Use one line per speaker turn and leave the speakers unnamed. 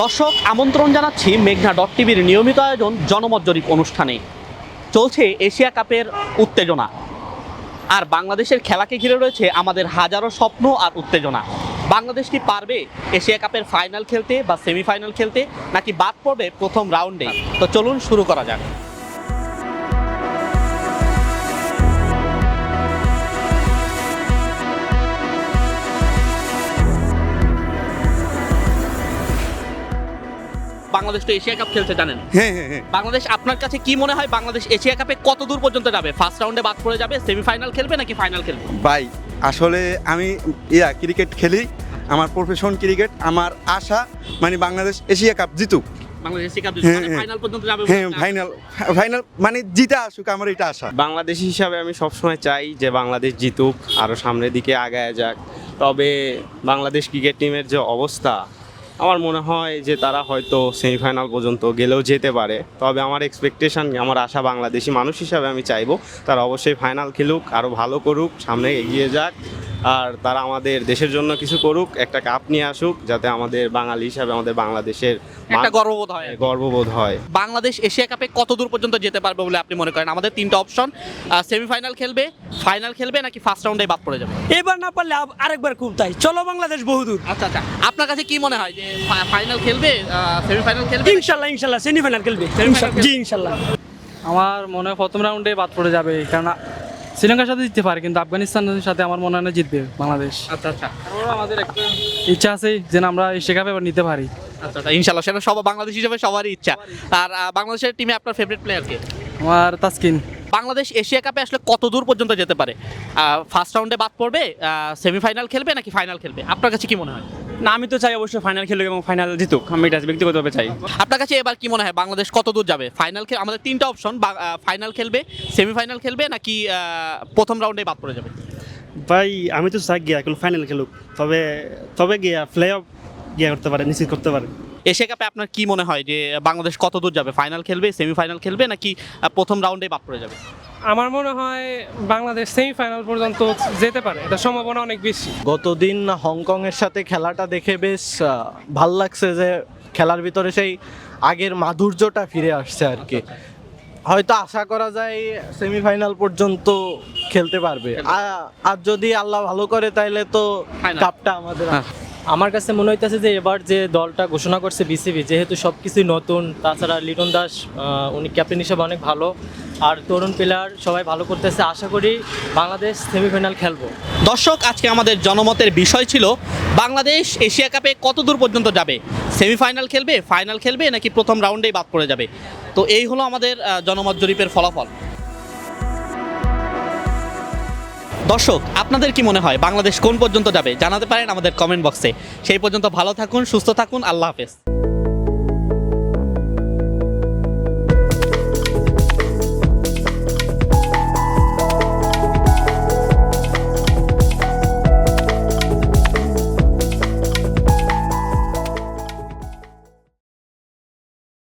দর্শক আমন্ত্রণ জানাচ্ছি মেঘনা ডট টিভির নিয়মিত আয়োজন জনমত জরিপ অনুষ্ঠানে। চলছে এশিয়া কাপের উত্তেজনা, আর বাংলাদেশের খেলাকে ঘিরে রয়েছে আমাদের হাজারো স্বপ্ন আর উত্তেজনা। বাংলাদেশ কি পারবে এশিয়া কাপের ফাইনাল খেলতে বা সেমিফাইনাল খেলতে, নাকি বাদ পড়বে প্রথম রাউন্ডে? তো চলুন শুরু করা যাক। বাংলাদেশ তো এশিয়া কাপ খেলছে জানেন।
হ্যাঁ।
বাংলাদেশ, আপনার কাছে কি মনে হয় বাংলাদেশ এশিয়া কাপে কত দূর পর্যন্ত যাবে? ফার্স্ট রাউন্ডে বাদ পড়ে যাবে, সেমিফাইনাল খেলবে নাকি ফাইনাল খেলবে?
ভাই আসলে আমি ক্রিকেট খেলি, আমার প্রফেশন ক্রিকেট। আমার আশা মানে বাংলাদেশ এশিয়া কাপ জিতুক।
বাংলাদেশ এশিয়া কাপ
হ্যাঁ,
মানে
হ্যাঁ।
ফাইনাল পর্যন্ত যাবে?
হ্যাঁ, ফাইনাল মানে জিতা আসুক, আমার এটা আশা।
বাংলাদেশি হিসাবে আমি সবসময় চাই যে বাংলাদেশ জিতুক, আরও সামনের দিকে আগায় যাক। তবে বাংলাদেশ ক্রিকেট টিমের যে অবস্থা, আমার মনে হয় যে তারা হয়তো সেমিফাইনাল পর্যন্ত গেলেও যেতে পারে। তবে আমার এক্সপেকটেশন, আমার আশা, বাংলাদেশি মানুষ হিসাবে আমি চাইবো তারা অবশ্যই ফাইনাল খেলুক, আরও ভালো করুক, সামনে এগিয়ে যাক, আর তারা আমাদের দেশের জন্য কিছু করুক, একটা কাপ নিয়ে আসুক, যাতে আমাদের বাঙালি হিসাবে আমাদের বাংলাদেশের
একটা গর্ববোধ হয়।
গর্ববোধ হয়।
বাংলাদেশ এশিয়া কাপে কত দূর পর্যন্ত যেতে পারবে বলে আপনি মনে করেন? আমাদের তিনটা অপশন, সেমিফাইনাল খেলবে, ফাইনাল খেলবে, নাকি ফার্স্ট রাউন্ডে বাদ পড়ে যাবে?
এবার না পারলে আরেকবার খুব তাই, চলো বাংলাদেশ বহুদূর।
আচ্ছা, আপনার কাছে কি মনে হয় যে ফাইনাল খেলবে, সেমিফাইনাল খেলবে?
ইনশাল্লাহ সেমিফাইনাল খেলবে। জি ইনশাল্লাহ।
আমার মনে হয় প্রথম রাউন্ডে বাদ পড়ে যাবে, কারণ শ্রীলঙ্কার সাথে জিততে পারে, কিন্তু আফগানিস্তানের সাথে আমার মনে হয় না জিতবে বাংলাদেশ।
আচ্ছা,
আমাদের একটা ইচ্ছা আছে যে আমরা এশিয়া কাপ এবার নিতে পারি।
ইনশাল্লাহ, সেটা সব বাংলাদেশ হিসেবে সবারই ইচ্ছা। আর বাংলাদেশের টিমে আপনার ফেভারিট প্লেয়ার কে?
আমার তাসকিন।
বাংলাদেশ এশিয়া কাপে আসলে কত দূর পর্যন্ত যেতে পারে? ফার্স্ট রাউন্ডে বাদ পড়বে, সেমিফাইনাল খেলবে, নাকি ফাইনাল খেলবে? আপনার কাছে কি মনে হয়?
না, আমি তো চাই অবশ্যই ফাইনাল খেলুক এবং ফাইনাল জিতুক। আমি এটা ব্যক্তিগতভাবে চাই।
আপনার কাছে এবার কি মনে হয় বাংলাদেশ কত দূর যাবে? ফাইনাল খেল, আমাদের তিনটা অপশন, ফাইনাল খেলবে, সেমিফাইনাল খেলবে, নাকি প্রথম রাউন্ডে বাদ পড়ে যাবে?
ভাই আমি তো চাই গিয়া এখন ফাইনাল খেলুক, তবে গিয়া প্লে অফ গিয়া করতে পারে, নিশ্চিত করতে পারে।
এশিয়া কাপে আপনার কি মনে হয় যে বাংলাদেশ কত দূর যাবে? ফাইনাল খেলবে, সেমিফাইনাল খেলবে, নাকি প্রথম রাউন্ডে বাদ পড়ে যাবে?
আমার মনে হয় বাংলাদেশ সেমিফাইনাল পর্যন্ত যেতে পারে, এটা সম্ভাবনা অনেক বেশি।
গতদিন হংকংয়ের সাথে খেলাটা দেখে বেশ ভাল লাগছে যে খেলার ভিতরে সেই আগের মাধুর্যটা ফিরে আসছে আর কি। হয়তো আশা করা যায় সেমিফাইনাল পর্যন্ত খেলতে পারবে, আর যদি আল্লাহ ভালো করে তাইলে তো কাপটা আমাদের।
আমার কাছে মনে হইতেছে যে এবার যে দলটা ঘোষণা করছে বিসিবি, যেহেতু সব কিছুই নতুন, তাছাড়া লিটন দাস উনি ক্যাপ্টেন হিসেবে অনেক ভালো, আর তরুণ প্লেয়ার সবাই ভালো করতেছে। আশা করি বাংলাদেশ সেমিফাইনাল খেলবো।
দর্শক, আজকে আমাদের জনমতের বিষয় ছিল বাংলাদেশ এশিয়া কাপে কত দূর পর্যন্ত যাবে, সেমিফাইনাল খেলবে, ফাইনাল খেলবে, নাকি প্রথম রাউন্ডেই বাদ পড়ে যাবে। তো এই হলো আমাদের জনমত জরিপের ফলাফল। দর্শক, আপনাদের কি মনে হয় বাংলাদেশ কোন পর্যন্ত যাবে? জানাতে পারেন আমাদের কমেন্ট বক্সে। সেই পর্যন্ত ভালো থাকুন, সুস্থ থাকুন, আল্লাহ হাফেজ।